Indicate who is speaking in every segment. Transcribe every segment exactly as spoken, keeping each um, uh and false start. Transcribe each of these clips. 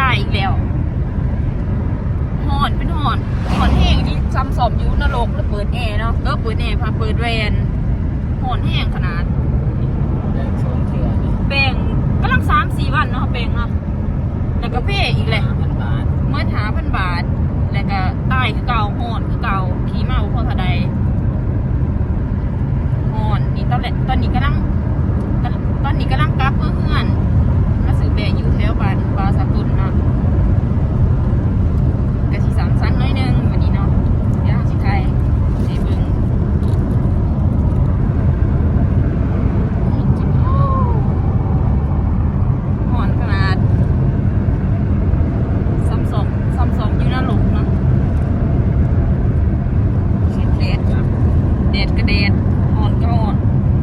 Speaker 1: ายอีกแล้วหอนเป็นหอนหอนแห้งที่ซ้ำสมอยู่นรกแล้วเปิดแอร์เนาะเออเปิดแอร์พาเปิดแวนหอนแห้งขนาดแบ่งกำลังสามสี่วันเนาะแบ่งเนาะแล้วก็เพ่อีกแหละเมื่อหาพันบาทแล้วก็ตายคือเก่าหอนคือเก่าขี่มาพอทะใดหอนนี่ตอนแรกตอนนี้กำลังตอนนี้กำลังกลับเพื่อเพื่อนมาซื้อแบะอยู่แถวบ้านบาสตุนเนาะกะสิสามสั้นน้อยนึงวันนี้เนาะเดี๋ยวสิใครสิเบิ่งหอนขนาดซ้ำสองซ้ำสองอยู่หน้าหลุมเนาะเช็ดเล็ดเด็ดกระเด็ดหอนก็หอน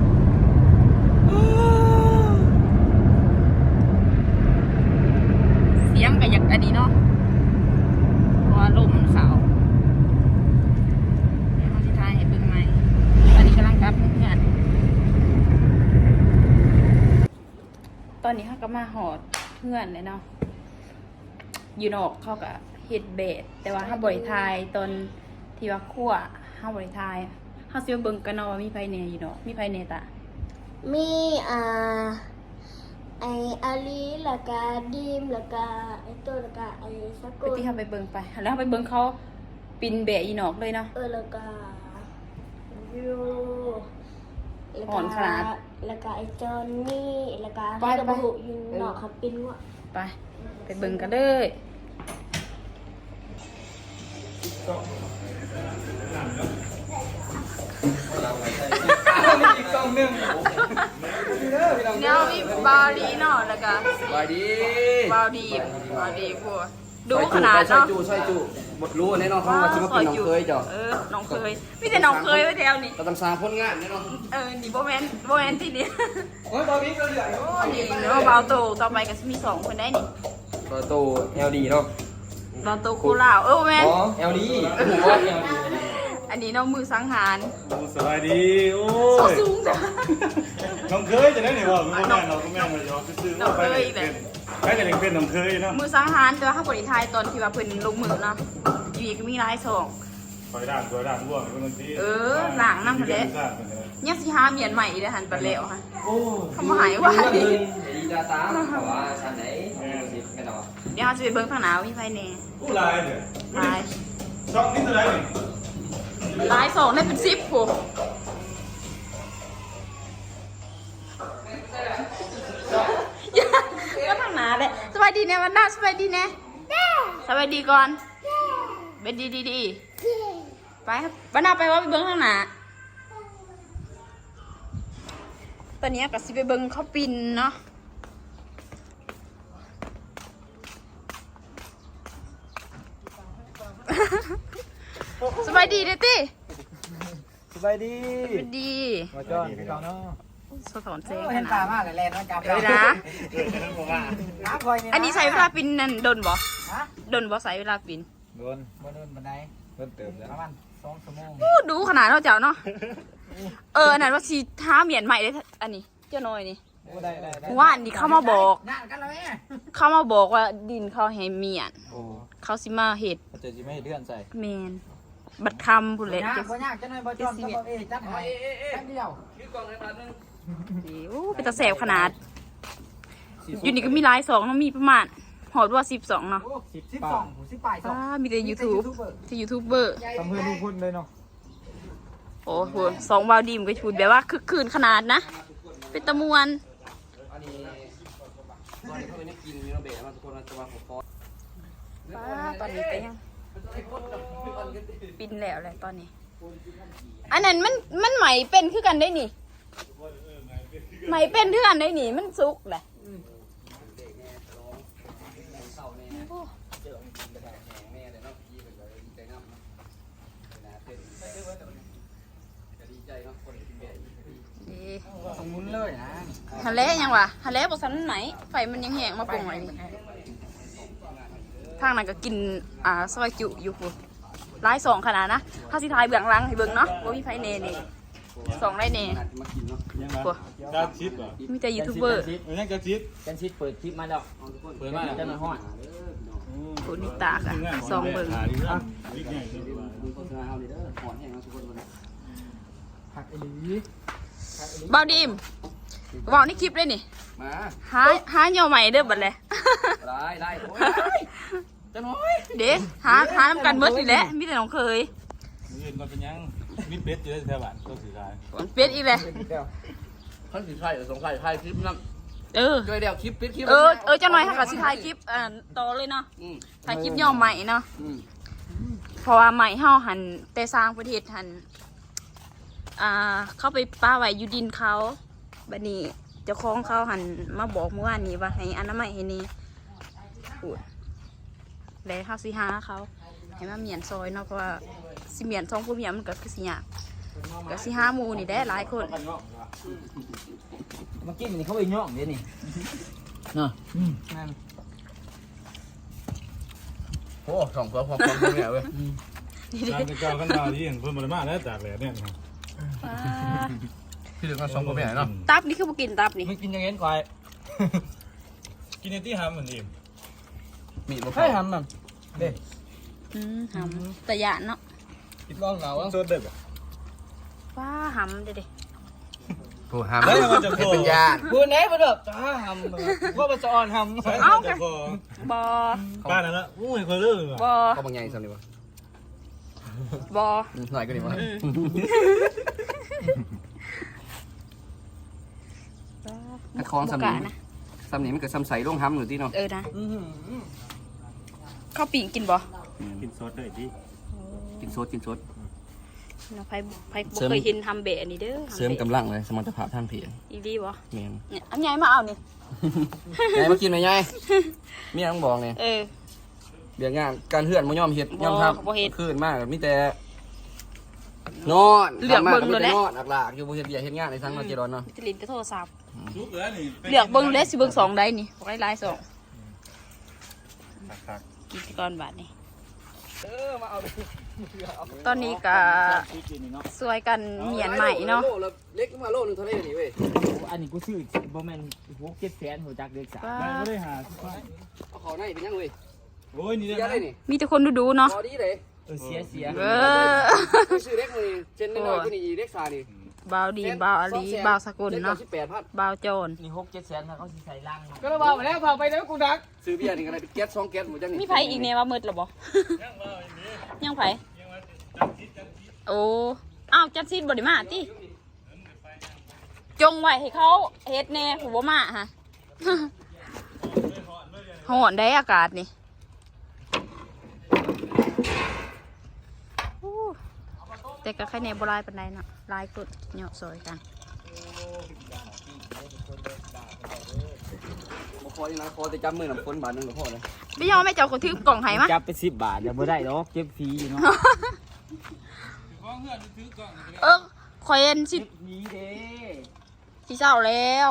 Speaker 1: เสียงก็อยากอันนี้เนาะเพราะว่าลมมันขาวเดี๋ยวเขาจะทายให้เบิ่งใหม่ตอนนี้กำลังกลับเพื่อนตอนนี้เขาก็มาหอดเพื่อนเลยเนาะอยู่นอกเขากับเฮ็ดเบสแต่ว่าเขาบริทายตอนที่ว่าคั่วเขาบริทายเขาสิมาเบิ่งกันเนาะว่ามีไผแหน่อยู่เนาะมีไผแหน่ตา
Speaker 2: มีอ่าไออาลีแล้วก็ดีมแล้วก็ไอตัวแล้วก็ไอสกุ
Speaker 1: ไป
Speaker 2: ล
Speaker 1: ที่เขาไปเบิ่งไปแล้วเขาไปเบิ่งเขาปินเบะอีนอกเลยเนาะ
Speaker 2: เออแล้วก็ยูแล้ว
Speaker 1: อ่อนขนาด
Speaker 2: แล้วก็ไอจอนนี่แล้วก็
Speaker 1: ไป
Speaker 2: กระ
Speaker 1: ไป
Speaker 2: บุยูนอกเขาปิ้นว่ะ
Speaker 1: ไปไปเบิ่งกันเลยเนี่ยมีบาวดีเนาะแล้วก็
Speaker 3: สบายดี
Speaker 1: บาวดีบาวดีพวกดูขนาด
Speaker 3: ซอย
Speaker 1: เนาะ
Speaker 3: จูซอยจูหมดรู้แน่นอนเขาว่าจะมาเป็นน้องเคยจ้ะ
Speaker 1: เออน้องเคยมีแต่น้องเคยไว้แถวนี้
Speaker 3: เราต้องสร้างผลงานแน่นอน
Speaker 1: เออนี่โบแมนโบแมนที่นี่
Speaker 3: โอ้ยบอลนี้ก็เหลือ
Speaker 1: โอ้นี่เนาะบาวโตต่อไปก็มีสองคนได้นี่
Speaker 3: บอลโต แอล ดี เนาะ
Speaker 1: บาวโตคูลาวเออโบแมน
Speaker 3: อ๋อ แอล ดีหูว่า แอล ดี
Speaker 1: อันนี้น้องมือสังหาร
Speaker 4: สบายดีโอ้
Speaker 1: โซ
Speaker 4: ย
Speaker 1: สูงจ้ะ
Speaker 4: น้องเคยจะได้หนิว่าคุณแม่เราคุณแม่มาย้อนซื้อๆไปเลยเป็นไปแต่เล็กเป็นน้องเคยเนาะ
Speaker 1: มือสังหารแต่ว่าข้าวบริไทยตอนที่ว่าเพิ่นลงมือเนาะอยู่อีกก็มีหลายสอง
Speaker 4: คอยด่างคอยด่างร่วงเป็นคนที่
Speaker 1: เออหลังนั่งคนเดียว ยังสิหาเมียนใหม่อีกเลยหันไปแล้วค่ะ
Speaker 3: โอ้
Speaker 1: ทำมาหายว่าดิ
Speaker 3: ดีดาตาแต่ว่าชั้นไหนไม่ต้อง
Speaker 1: เดี๋ยวเราจะไปเบิ่งทางหนาวมีไฟแน่
Speaker 4: ผู้ลายเนี่ย
Speaker 1: หลาย
Speaker 4: ช่องนี้ตัวไหนนี่
Speaker 1: หลายสองได้เป็นสิบผู้ก็ทางหนาเลยสบายดีเนี่ยวันหน้าสบายดีเนี่ยสบายดีก่อนเป็นดีดีดีไปครับวันหน้าไปว่าไปเบิ้งทางหนาตอนนี้กับสิไปเบิ้งเขาปินเนาะสบายดีเด้อติ
Speaker 5: สบายดี
Speaker 1: เป็นดี
Speaker 5: มาจอนพี่น้องเนาะ
Speaker 1: สะท้อนแสง
Speaker 5: เห็นตามากเลยแลนด์มันจับ
Speaker 1: เออนะ
Speaker 4: เออจะนั่งบอกว่า
Speaker 5: น้ำคอยนี่
Speaker 1: อันนี้ใช้เวลาปินนั่นโดนบ่
Speaker 5: ฮะ
Speaker 1: โดนบ่ใช้เวลาปิน
Speaker 5: โดนบ่โดนบันไดโดนเติมแล้วประมาณสองชั่วโมง
Speaker 1: อู้ดูขนาดเราเจ้าเนาะเออนั่นว่าชีท้าเหมียนใหม่เลยอันนี้เจ้าน้อยนี่
Speaker 5: โอ้ได้ได้ได้
Speaker 1: ว่าอันนี้เข้ามาบอก
Speaker 5: น่ากันแล้วแม่
Speaker 1: เขามาบอกว่าดินเขาให้เมียน
Speaker 5: โอ้
Speaker 1: เขาสิมาเฮ็ด
Speaker 5: เขาจะจิไม่ให้เลื่อนใส่
Speaker 1: แมนบัดคำพุ่นเลย
Speaker 5: ยากบ่ยากจังเลยบ่จอนกับบ่เอจัดให้แป๊บเดียว
Speaker 3: ยืดกล่องในร้านนึง
Speaker 1: โอ้เป็นตาแสบขนาด อยู่นี่ก็มีหลายสองเนาะมีประมาณหอดว่าสิบสองเนาะ
Speaker 5: โอ้สิบสิบสองหูสิบปลายสอง
Speaker 1: อ้ามีแต่ยูทูบที่ยูทูบเบอร์
Speaker 5: ทำเพื่อนทุกคนเลยเนาะ
Speaker 1: โอ้โหสองวาวดีมก็ชูดแบบว่าคึกคืนขนาดนะ เป็นตะมวน
Speaker 3: อันนี้ตอนนี้เขาไม่ได้กินมีระเบิดมาทุกคนจะมาผมฟ้อง
Speaker 1: ป้าตอนนี้ก็ยังปินแล้วแหละตอนนี้ อันนั้นมันมันไหมเป็นคือกันได้นี่ไหมเป็นคือกันได้นี่มันสุกแหละนี่
Speaker 5: สมุนเลยนะ
Speaker 1: ทะเลยังวะทะเลบอกสันไหนไฟมันยังแห้งมาปรุงอะไรนี่ทางนั้นก็กินอ่าซอยจุอยู่คุณร้ายสองขนาดนะถ้าสิทายเบื้องหลังให้เบื้องเนาะว่ามีไฟเนนี่สองไรเน
Speaker 3: มากินเนาะ
Speaker 4: ยังไงการชิดเหรอ
Speaker 1: มีแต่ยูทูบเบอร์
Speaker 4: เออยังการชิด
Speaker 5: กันชิดเปิดคลิปมาแล้ว
Speaker 4: เปิดมา
Speaker 5: จะมาฮอด
Speaker 1: ผู้นิตากะซองเบิ่ง
Speaker 3: ดูโฆษณาเฮานี่เด้อหอนแห้งนะทุกคนวันนี้
Speaker 5: ผักไอ้หลี
Speaker 1: เบาดิมบอกในคลิปเลยนี่
Speaker 3: มา
Speaker 1: หาหาเหนียวใหม่เด้อบัดเลย
Speaker 3: ได้ได้โอ้ยจะน้อย
Speaker 1: เด้หาหาน้ำกันเบิดนี่แหละมีแต่น้องเคย
Speaker 4: เงินมันเป็นยังมิดเป็ดอยู่ในแถวบ้านก็สื่อได้
Speaker 1: เป็ดอีกเลย
Speaker 3: ขั้นสีไข่สงไข่ไข่คลิปนั่น
Speaker 1: เออ
Speaker 3: ช่วยเดียวคลิปปิดคลิป
Speaker 1: เออเออจังหน่อยค่ะกับสิถ่ายคลิปอ่าต่อเลยเนาะ
Speaker 3: อืม
Speaker 1: ถ่ายคลิปเหนียวใหม่เนาะ
Speaker 3: อืม
Speaker 1: เพราะว่าใหม่เฮาหันแต่สร้างประเทศหันอ่าเข้าไปป้าไว้อยู่ดินเขาบัดนี้เจ้าของเขาหันมาบอกเมื่อวานนี้ว่าให้อนามัยให้นี่พูดแล้วเฮาสิหาเขาให้มาเมียนซอยเนาะเพราะว่าสิเมียนซองผู้เมียนมันก็คือสิยากก็สิหาหมู่นี่ได้หลายคน
Speaker 5: เมื่อกี้มันเขาไปย่องเดี๋ยวนี่เนาะนั่น
Speaker 3: โอ้สองตัวพอพอเนี่ยเว้ย
Speaker 1: นี่
Speaker 4: ตามไปเก่ากันมาที่เห็นเพิ่นมามาแล้วจากแหล่เนี่ย
Speaker 3: พี่ถึงมาสองตัวเนี่ยเนาะ
Speaker 1: ตับนี่คือบ่กินตับนี่
Speaker 5: ไม่กินอย่างงี้ก่อย
Speaker 4: กินในที่ทำเหมือนอิ่ม
Speaker 3: มีบ่
Speaker 5: ให้ทำมันเด็ก
Speaker 1: อืมหำแต่ยานเนาะ
Speaker 5: กินบ้องเรา
Speaker 4: โซดเด็กอ่ะ
Speaker 1: ว้าหำเด้เด้
Speaker 3: ผู้ห้าม
Speaker 4: แล้วมันจะโผล่
Speaker 3: เป็นญาติ
Speaker 5: พูดไหนมาแบบจ้าทำว่ามันจะอ่อนทำ
Speaker 4: ใช่มันจะโผล่
Speaker 1: บอ
Speaker 4: ป้านั่นละอุ้ยคนเรื่อง
Speaker 1: บอ
Speaker 3: ก็บางอย่างสันนิวะ
Speaker 1: บอ
Speaker 3: หน่อยก็ดีวะ ถ้าคล้องสำนี
Speaker 1: บ่กล้านะ
Speaker 3: สำนีมันก็ซ้ำใสร่องห้ำหรือที่เนาะ
Speaker 1: เออนะข้าวปิ่งกินบ่
Speaker 4: กินซอสได้ดิ
Speaker 3: กินโซดกินโซด
Speaker 1: น้าไผไผบ่
Speaker 3: เสริม
Speaker 1: เคยเห็นทำเบะอันนี้เด้อ
Speaker 3: เสริมกำลังเลยสมรรถภาพทางเพลง
Speaker 1: อีดีบ่
Speaker 3: แม่น
Speaker 1: เนี่ยอันใหญ่มาเอานี่
Speaker 3: ยายมากินไหมยายเมียต้องบอกเนี่ย
Speaker 1: เออ
Speaker 3: เดี๋ยวงานการเฮือนมายอมเห็ด
Speaker 1: บ่
Speaker 3: ยอมทับ
Speaker 1: บ่เฮ็ด
Speaker 3: คืนมากมีแต่นอน
Speaker 1: เลือกเบิ่ง
Speaker 3: ทำมา
Speaker 1: เลยแหละ
Speaker 3: มีแต่นอนหลักๆอยู่บ่เฮ็ดเบียร์เฮ็ดงานในทั้งมาเจรอนเนาะ
Speaker 1: มิตลินแต่โทรศัพท์
Speaker 4: ทุกแล้วนี่
Speaker 1: เลือกเบิ่งเลยสิเบิ่งสองได้นี่บ่ได้หลายสองกินก่อนบาดนี้
Speaker 3: เออมาเอา
Speaker 1: ตอนนี้ก็สวยกันเหมียนใหม่เนาะ
Speaker 3: โลละเล็กมาโลนึงเท่าไหร่นี่เว้ย
Speaker 5: อันนี้กูซื้อบ่แม่นหกเจ็ดแสนหัวจักเด็กสาว
Speaker 1: ว้า
Speaker 4: ไม่ได้หา
Speaker 3: เอาเขาในเป็นยังเว้ย
Speaker 4: โอ้ยนี่
Speaker 3: เสี
Speaker 4: เดี๋
Speaker 3: ย
Speaker 4: ยว
Speaker 3: ได้
Speaker 4: นะ
Speaker 3: นี่
Speaker 1: มีแต่คนดูๆเนาะ
Speaker 3: พอดีเลย
Speaker 5: เออเสียเสีย
Speaker 1: เออ
Speaker 3: ซื้อเล็กมานี่เจนน้อยๆกูนี่เล็กซานี่
Speaker 1: บาวดีบาวอาลีบาวสกุลเนาะ
Speaker 3: สิบแปดพัน
Speaker 1: บาวโจร
Speaker 5: นี่หกเจ็ดแสนเขาสิใส่ลังก็ระบาไปแล้วพาไปแล้วกูดัก
Speaker 3: ซื้อเบียร์นี่ก็ได้เป็นแก๊สสองแก๊สหมดจังนี่
Speaker 1: มีไผอีกเนี่ยว่ามืดหรอบ่ ยังไผโอ้อ้าวจัดซีดบไดิมาติจงไว้ให้เขาเฮ็ดแน่ผู้บ่มาฮะ หอนได้อากาศนี่อู้แต่ก็แค่ในบ่หลายปานใดเนาะหลายกดเหยาะซอยกัน
Speaker 3: บ่พอนี่นะพอจะจับมือน้ำคนบาทนึงก็พอเลย
Speaker 1: ไม่ยอมแม่เจ้าก็ถือกล่องให้มา
Speaker 5: จับไปสิบบาทอย่าบ่ได้หรอกเก็บฟรีอยู่เนาะ
Speaker 1: เออคอยเอ็นสิ
Speaker 5: นี่เด้
Speaker 1: สิเศร้าแล้ว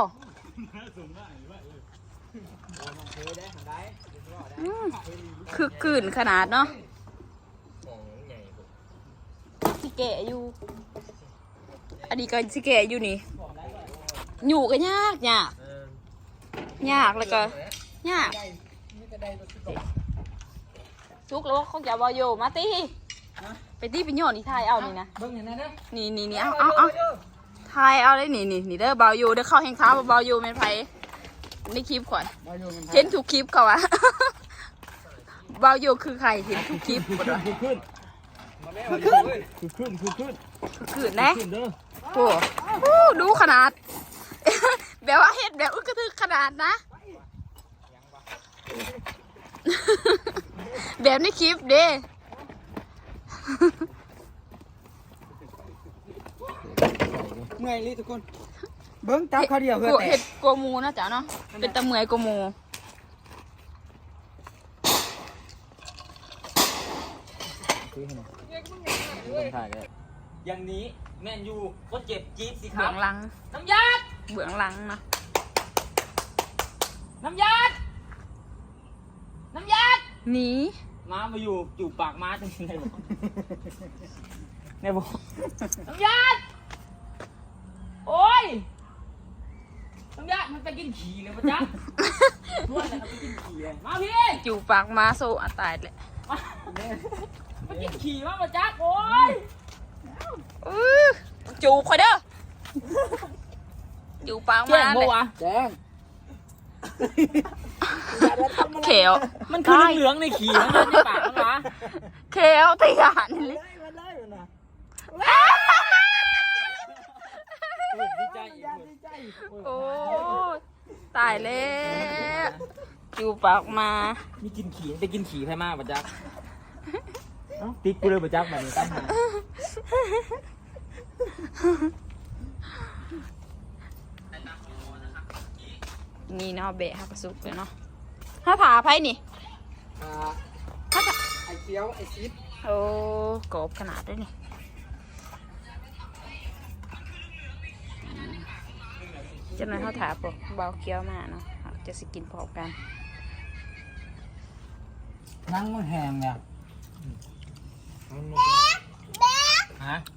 Speaker 1: อืมคือคืนขนาดเนาะสิแกะอยู่ อันนี้ก็สิแกะอยู่นี่อยู่ก็ยากยากยากแล้วก็ยากทุกแล้วเขาจะบอโยมาตีไปตีไปโยนนี่ทายเอานี่นะ
Speaker 5: เบิ่งอย่างนั้นเด้อ
Speaker 1: นี่นี่นี่เอาเอาเอาทายเอาเลยนี่นี่นี่เด้อเบาอยู่เด้อเข้าแห่งเท้าเบาอยู่เป็นไผในคลิปก่อนเห็นทุกคลิปเขาอะ เบาอยู่คือใครเห็นทุกคลิปหมดเลย
Speaker 5: คือขึ้น
Speaker 3: มาแม่มาอยู่เว้ย
Speaker 5: คือขึ้นคือขึ้น
Speaker 1: คือคืนนะ
Speaker 5: ขึ้นเด้อ
Speaker 1: โอ้โหดูขนาด แบบว่าเห็ดแบบอึกกระทึกขนาดนะ แบบในคลิปเด้
Speaker 5: เมื่อยลิทุกคนเบิ่งจับเขาเดียวเพื่อแต
Speaker 1: เห็
Speaker 5: ก
Speaker 1: ดกัวหมูนะจ๊ะเนาะเป็นตะเมื่อยกัวหมู
Speaker 5: อย่างนี้แม่นยูก็เจ็บจี๊ดสิค
Speaker 1: เบื้
Speaker 5: รั
Speaker 1: อบ งหลัง
Speaker 5: น้ำยาด
Speaker 1: เบื้องหลังเนาะ
Speaker 5: น้ำยาดน้ำยาด
Speaker 1: หนี
Speaker 5: ม้ามาอยู่อยู่ปากม้าจังไงบอกไงบอกน้ำยาดโอ้ยน้ำยาดมันไปกินขี่เลยปะจ๊ะชวนเลยครับไปกินขี่เลยมาพี่
Speaker 1: จูบปากมาโซอ่ะตายเลย
Speaker 5: มาไปกินขี่มาปะจ๊ะโอ้ย
Speaker 1: อื้อจูบคอยเด้อจูบปาก
Speaker 5: แจ้
Speaker 1: มาง เล
Speaker 5: บ่
Speaker 1: ยว
Speaker 5: ะแจ้ง
Speaker 1: เขียว
Speaker 5: มันคือเหลืองๆในขี่มันในปากมันวะ
Speaker 1: เขียวตีหันเลย
Speaker 5: ดีใจอีกดีใจ
Speaker 1: โอ้ยตายแล้วจูบปากมา
Speaker 5: มีกินขี่ไปกินขี่ใครมาปะจ๊ะติดกูเลยปะจ๊ะแบบนี้ตั้งหา
Speaker 1: นี่เนาะเบะฮักกระสุกเลยเนาะถ้าถาไพ่นี่
Speaker 3: อ่าไอ้เกี๊ยวไอ้ซิป
Speaker 1: โอ้กบขนาดด้วยนี่จะนั้นเขาถาปกเบาเคี้ยวมาเนาะจะสกินพร้อมกัน
Speaker 5: นั่งมันแหงเนี่ยฮะ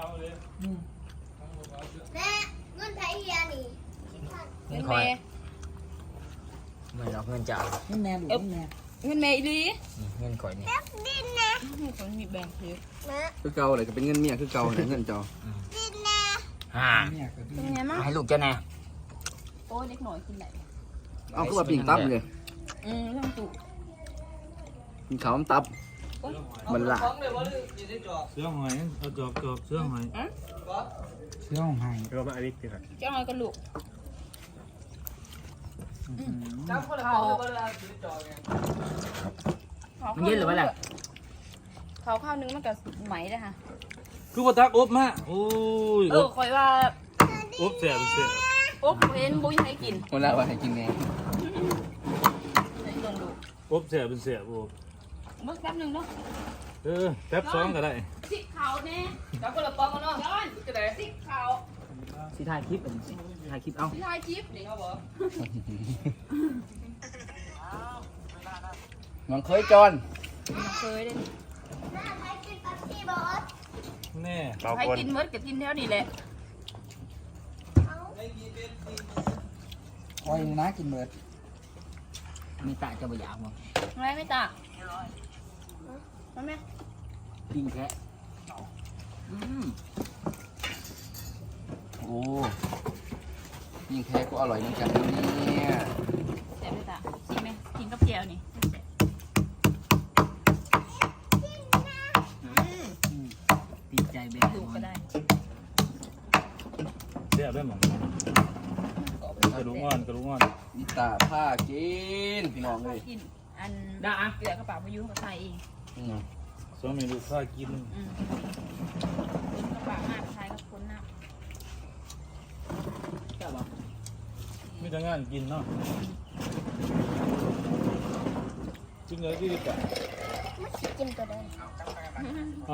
Speaker 2: แม่เงินไทยเฮียนี่
Speaker 1: เงินเมย์
Speaker 5: ไม่หรอกเงินจะเอาเงินแม่ดูเงินแม่
Speaker 1: เงินเมย์อีหลี
Speaker 5: เงินข่อยนี่
Speaker 2: ดินนะ
Speaker 1: คนมีแบ่งค์คือ
Speaker 2: แม่
Speaker 3: คือเก่าเลยก็เป็นเงินเมียคือเก่าเนี่ยเงินเจ้า
Speaker 2: ดินนะ
Speaker 5: ฮ่า
Speaker 1: เป็นไงมั้ง
Speaker 5: ให้ลูกเจ้าแน่
Speaker 1: โอ้ยเล็กหน่อยกินไหน
Speaker 3: เอาคือว่าปิ่งตับเลย
Speaker 1: อืมเรื่องจุ
Speaker 3: กินข้าวมันตับมันละ
Speaker 4: เสื้อหอยเอาจอบจอบเสื้อหอย
Speaker 5: เชื่อของให้
Speaker 4: เรามาอริสดีกว่า
Speaker 1: เจ้าหน่อยก็ลูก
Speaker 5: มันเย็นหรือว่าอะไร
Speaker 1: เขาข้าวนึงมันกับไหมนะฮะ
Speaker 4: คือว่าทักอบมาโอ้ย
Speaker 1: เออคอยว่า
Speaker 4: อบเสียบเสียบ
Speaker 1: โอ๊บเห็นบุ้ยให้กิน
Speaker 3: คนละว่าให้กินไง
Speaker 1: ไหนลองดู
Speaker 4: อบเสียบเป็นเสียบโอ้
Speaker 1: เมื่อแป๊บนึงเนาะ
Speaker 4: เออแป๊บสองก็ได้
Speaker 1: สิบเขาแน่กับคนละปองกันเนาะย้อนจะได้สิบเขา
Speaker 5: สิถ่ายคลิปเป็นถ่ายคลิปเอา
Speaker 1: ที่ท้ายคลิปนี่เขาบอก
Speaker 3: น้องเคยจอน
Speaker 1: เคยได้
Speaker 2: แม่ไทยกินปั๊บซี่บอส
Speaker 4: แน่
Speaker 1: ให้กินเมื่อกับกินแถวนี้แหละ
Speaker 5: คอยนะกินเบิร์ดมีตาจะบ่อยากมั้ง
Speaker 1: อะไรไม่ตามันไหม
Speaker 5: กินแค่
Speaker 3: อืมโอ้ยิงแค่ก็อร่อยเหมือนกันนะเนี่ย
Speaker 1: แซ่บไม่ตาชิมไหมกินกับเจียวนี่
Speaker 5: ดีใจแบบ
Speaker 1: ดูก็ได้
Speaker 4: เสียบได้หมดกระดูกอ่อนกระดูกอ่อน
Speaker 3: นิตาผ้ากินพี่น้องเลย
Speaker 1: กินอัน
Speaker 5: ได้อะ
Speaker 1: เกลือกระเป๋าพายุกับไทยเอง
Speaker 3: อืม
Speaker 4: สองเมนูข้ากิน
Speaker 1: อืมคนกระเป๋ามากไทยกับคนหน้า
Speaker 5: แค่บอก
Speaker 4: มีแต่งานกินเนาะจริงเลยที่ดีกว่า
Speaker 2: กินตัวเดิม
Speaker 4: เอ้า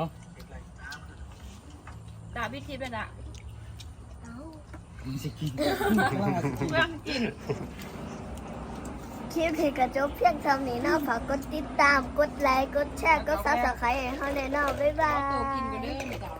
Speaker 1: ตาพี่ทิพย์เลยอะ
Speaker 5: มันจะกิน
Speaker 1: เพื่อนกิน
Speaker 2: คลิปที่กระจบเพียงเท่านี้เนาะฝากกดติดตามกดไลค์กดแชร์กดซับสไครต์ให้เขาแน่นอนบ๊ายบา
Speaker 1: เอาตัวกิน
Speaker 2: ย
Speaker 1: กันเด้อไม่ต้อง